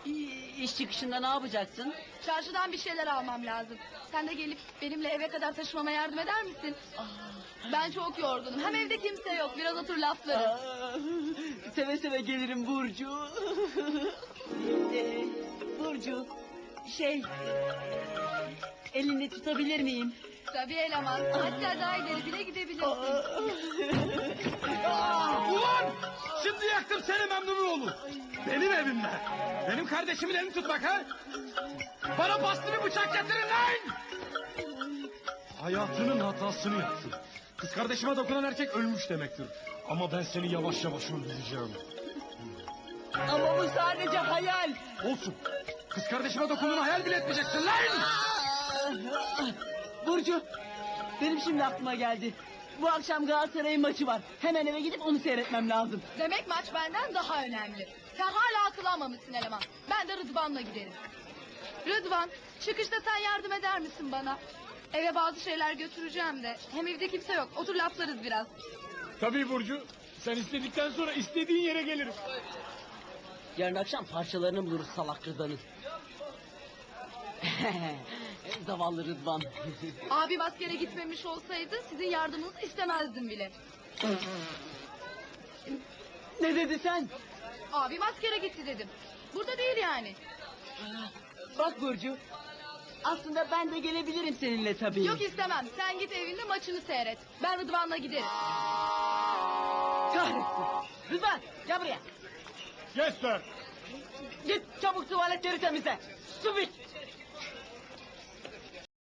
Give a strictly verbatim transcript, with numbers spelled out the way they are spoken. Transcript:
İş çıkışında ne yapacaksın? Çarşıdan bir şeyler almam lazım. Sen de gelip benimle eve kadar taşımama yardım eder misin? Ben çok yorgunum. Hem evde kimse yok. Biraz otur laflarız. Aa, seve seve gelirim Burcu. Ee, Burcu, şey... Elini tutabilir miyim? Tabii eleman. Hatta daha ileri bile gidebilirsin. Ulan! Şimdi yaktım seni Memnunoğlu. Benim evimde. Benim kardeşimin elini tutmak ha? Bana bastı bir bıçak getirin lan! Hayatının hatasını yaptın. Kız kardeşime dokunan erkek ölmüş demektir. Ama ben seni yavaş yavaş öldüreceğim. Ama bu sadece hayal. Olsun. Kız kardeşime dokunduğunu hayal bile etmeyeceksin lan! Burcu, benim şimdi aklıma geldi. Bu akşam Galatasaray'ın maçı var. Hemen eve gidip onu seyretmem lazım. Demek maç benden daha önemli. Sen hala akıl almamışsın eleman. Ben de Rıdvan'la giderim. Rıdvan, çıkışta sen yardım eder misin bana? Eve bazı şeyler götüreceğim de. Hem evde kimse yok. Otur laflarız biraz. Tabii Burcu. Sen istedikten sonra istediğin yere gelirim. Yarın akşam parçalarını buluruz salak Rıdvan'ın. Zavallı Rıdvan. Abim askere gitmemiş olsaydı sizin yardımınızı istemezdim bile. Ne dedi sen? Abim askere gitti dedim. Burada değil yani. Bak Burcu, aslında ben de gelebilirim seninle tabii. Yok istemem. Sen git evinde maçını seyret. Ben Rıdvan'la giderim. Kahretsin. Rıdvan, gel buraya. Yes sir. Git çabuk tuvaletleri temizle. Su biç.